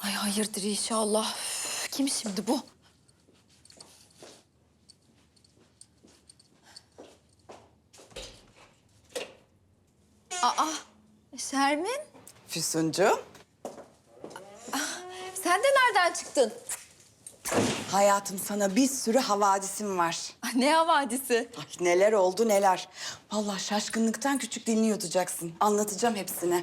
Ay hayırdır inşallah. Üf, kim şimdi bu? Aa, Şermin, Füsuncuğum, sen de nereden çıktın? hayatım sana bir sürü havadisim var. Ay, ne havadisi? Ay neler oldu neler. Vallahi şaşkınlıktan küçük dilini yutacaksın. Anlatacağım hepsini.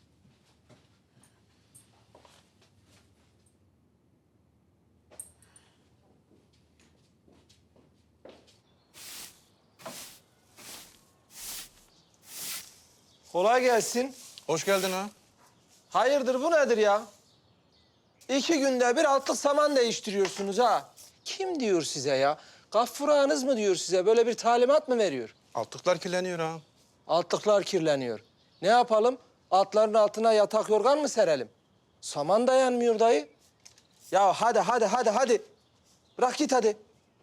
Kolay gelsin. Hoş geldin ha. Hayırdır bu nedir ya? 2 günde bir altlık saman değiştiriyorsunuz ha. Kim diyor size ya? Gaffur ağanız mı diyor size? Böyle bir talimat mı veriyor? Altlıklar kirleniyor ha. Altlıklar kirleniyor. Ne yapalım? Altların altına yatak yorgan mı serelim? Saman dayanmıyor dayı. Ya hadi. Bırak git hadi.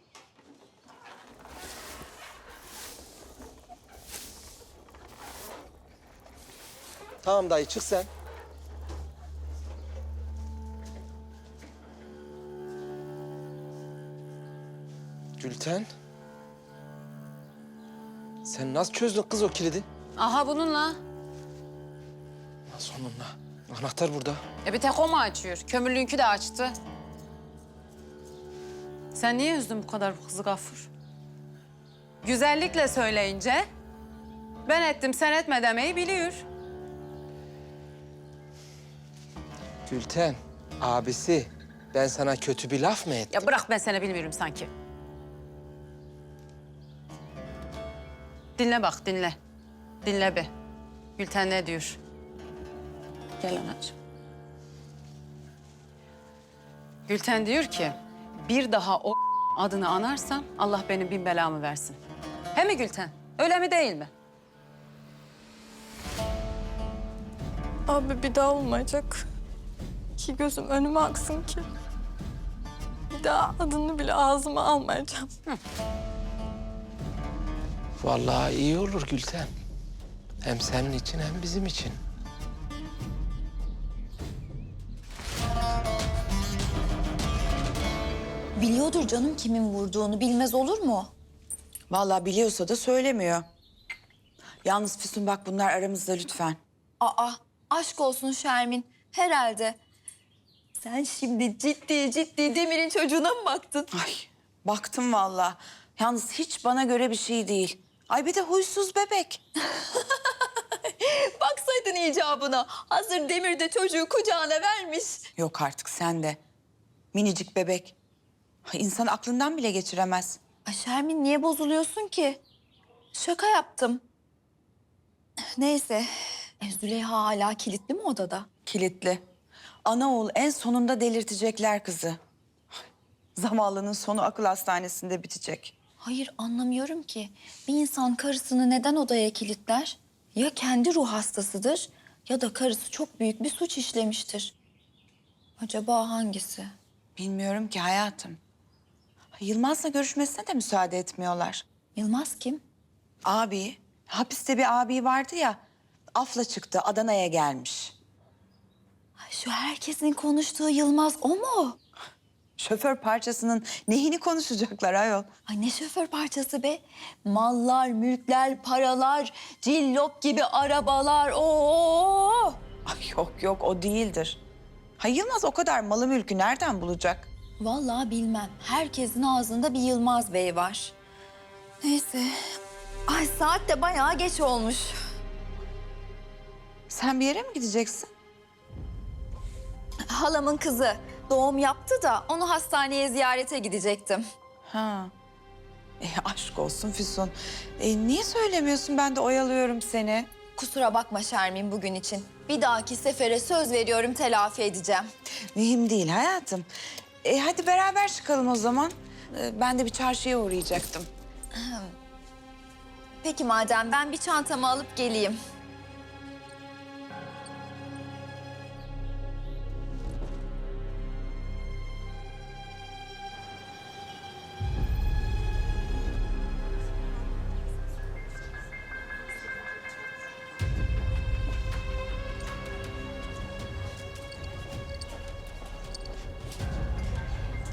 Tamam dayı çık sen. Gülten. Sen nasıl çözdün kız o kilidi? Aha bununla. Nasıl onunla? Anahtar burada. Bir tek o mu açıyor? Kömürlüğünkü de açtı. Sen niye üzdün bu kadar bu kızı Gaffur? Güzellikle söyleyince ben ettim sen etme demeyi biliyor. Gülten, abisi ben sana kötü bir laf mı ettim? Ya bırak ben seni bilmiyorum sanki. Dinle bak dinle. Dinle be. Gülten ne diyor? Gel anacığım. Gülten diyor ki bir daha o adını anarsam Allah benim bin belamı versin. He mi Gülten? Öyle mi değil mi? Abi bir daha olmayacak. Ki gözüm önüme aksın ki. Bir daha adını bile ağzıma almayacağım. Vallahi iyi olur Gülten. Hem senin için hem bizim için. Biliyordur canım kimin vurduğunu, bilmez olur mu? Vallahi biliyorsa da söylemiyor. Yalnız Füsun bak bunlar aramızda lütfen. Aa, aşk olsun Şermin, herhalde. Sen şimdi ciddi Demir'in çocuğuna mı baktın? Ay baktım vallahi. Yalnız hiç bana göre bir şey değil. Ay bir de huysuz bebek. Baksaydın icabına. Hazır Demir de çocuğu kucağına vermiş. Yok artık sen de. Minicik bebek. Ay, İnsan aklından bile geçiremez. Ay Şermin niye bozuluyorsun ki? Şaka yaptım. Neyse. Züleyha hala kilitli mi odada? Kilitli. Ana oğul en sonunda delirtecekler kızı. Zavallının sonu akıl hastanesinde bitecek. Hayır anlamıyorum ki. Bir insan karısını neden odaya kilitler? Ya kendi ruh hastasıdır ya da karısı çok büyük bir suç işlemiştir. Acaba hangisi? Bilmiyorum ki hayatım. Yılmaz'la görüşmesine de müsaade etmiyorlar. Yılmaz kim? Abi, hapiste bir abi vardı ya. Afla çıktı, Adana'ya gelmiş. Ay, şu herkesin konuştuğu Yılmaz o mu? Şoför parçasının neyini konuşacaklar ayol? Ay ne şoför parçası be? Mallar, mülkler, paralar, cillop gibi arabalar. Oo! Ay yok o değildir. Ha Yılmaz o kadar malı mülkü nereden bulacak? Vallahi bilmem. Herkesin ağzında bir Yılmaz Bey var. Neyse. Ay saat de bayağı geç olmuş. Sen bir yere mi gideceksin? Halamın kızı doğum yaptı da onu hastaneye ziyarete gidecektim. Ha. Aşk olsun Füsun. Niye söylemiyorsun? Ben de oyalıyorum seni. Kusura bakma Şermin bugün için. Bir dahaki sefere söz veriyorum telafi edeceğim. Mühim değil hayatım. Hadi beraber çıkalım o zaman. Ben de bir çarşıya uğrayacaktım. Peki madem ben bir çantamı alıp geleyim.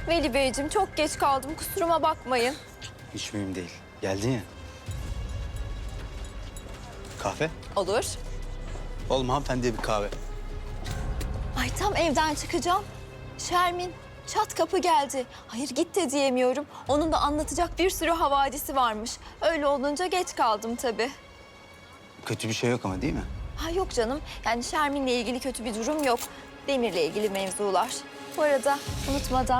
Veli Beyciğim çok geç kaldım. Kusuruma bakmayın. Hiç mühim değil. Geldin ya. Kahve? Olur. Oğlum hanımefendiye bir kahve. Ay tam evden çıkacağım. Şermin çat kapı geldi. Hayır git de diyemiyorum. Onun da anlatacak bir sürü havadisi varmış. Öyle olunca geç kaldım tabii. Kötü bir şey yok ama değil mi? Ha yok canım. Yani Şermin'le ilgili kötü bir durum yok. Demir'le ilgili mevzular. Bu arada unutmadan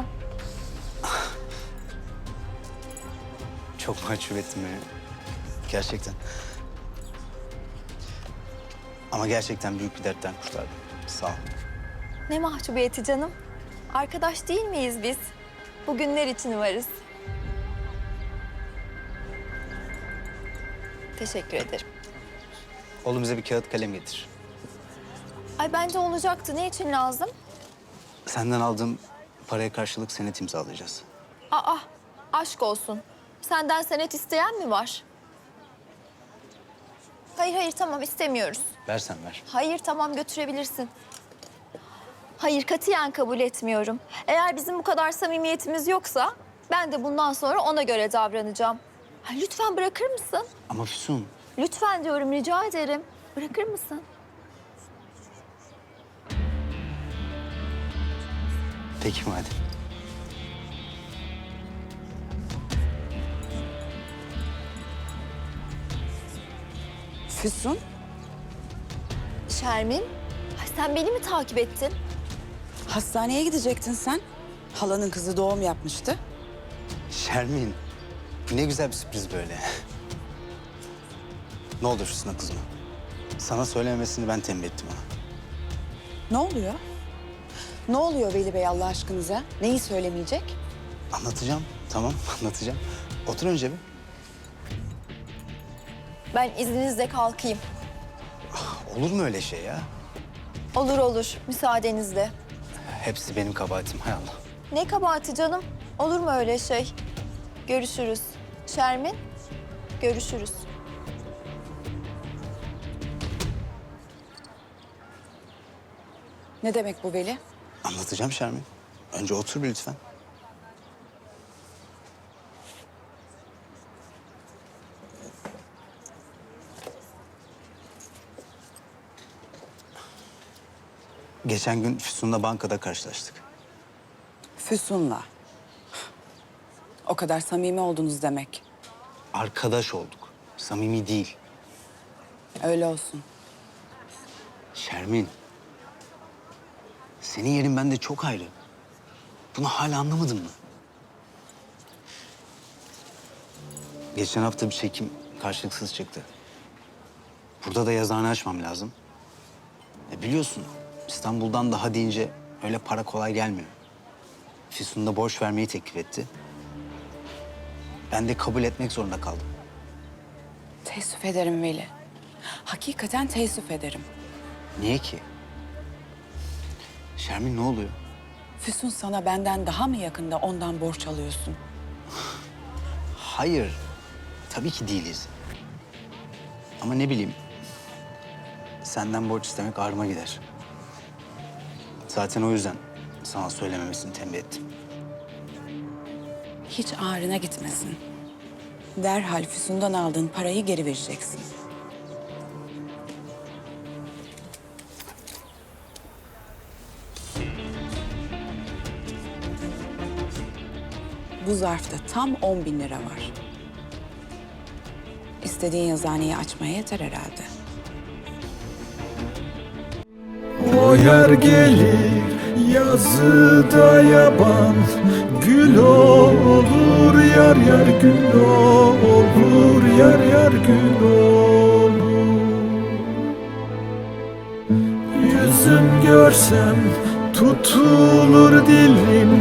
Çok mahcup ettin beni. Gerçekten. Ama gerçekten büyük bir dertten kurtardın. Sağ ol. ne mahcubiyeti canım. Arkadaş değil miyiz biz? Bugünler için varız. Teşekkür ederim. Oğlum bize bir kağıt kalem getir. Ay bence olacaktı. Ne için lazım? Senden aldığım paraya karşılık senet imzalayacağız. Aa, aşk olsun. Senden senet isteyen mi var? Hayır tamam istemiyoruz. Versen ver. Hayır tamam götürebilirsin. Hayır katiyen kabul etmiyorum. Eğer bizim bu kadar samimiyetimiz yoksa ben de bundan sonra ona göre davranacağım. Ha, lütfen bırakır mısın? Ama Füsun, Lütfen diyorum rica ederim. Bırakır mısın? peki madem. Füsun, Şermin, ay sen beni mi takip ettin? hastaneye gidecektin sen. Halanın kızı doğum yapmıştı. Şermin, bu ne güzel bir sürpriz böyle. Ne olur Füsun'a kızma. Sana söylememesini ben tembih ettim ona. Ne oluyor? Ne oluyor Veli Bey Allah aşkınıza? Neyi söylemeyecek? Anlatacağım, tamam anlatacağım. Otur önce bir. Ben izninizle kalkayım. Olur mu öyle şey ya? Olur, müsaadenizle. Hepsi benim kabahatim, hay Allah. Ne kabahati canım? Olur mu öyle şey? Görüşürüz. Şermin, görüşürüz. Ne demek bu Veli? Anlatacağım Şermin. Önce otur bir lütfen. Geçen gün Füsun'la bankada karşılaştık. Füsun'la. O kadar samimi oldunuz demek. Arkadaş olduk. Samimi değil. Öyle olsun. Şermin. Senin yerin bende çok ayrı. Bunu hala anlamadın mı? Geçen hafta bir çekim karşılıksız çıktı. Burada da yazıhane açmam lazım. Biliyorsun İstanbul'dan daha deyince öyle para kolay gelmiyor. Füsun da borç vermeyi teklif etti. Ben de kabul etmek zorunda kaldım. Teessüf ederim Veli. Hakikaten teessüf ederim. Niye ki? Şermin ne oluyor? Füsun sana benden daha mı yakında ondan borç alıyorsun? Hayır. Tabii ki değiliz. Ama ne bileyim. Senden borç istemek ağrıma gider. Zaten o yüzden sana söylememesini tembih ettim. Hiç ağrına gitmesin. Derhal Füsun'dan aldığın parayı geri vereceksin. Bu zarfta tam 10.000 lira var. İstediğin yazıhaneyi açmaya yeter herhalde. O yer gelir yazıda yaban, gül olur yar yar gül olur yar yar gül olur. Yüzüm görsem tutulur dilim.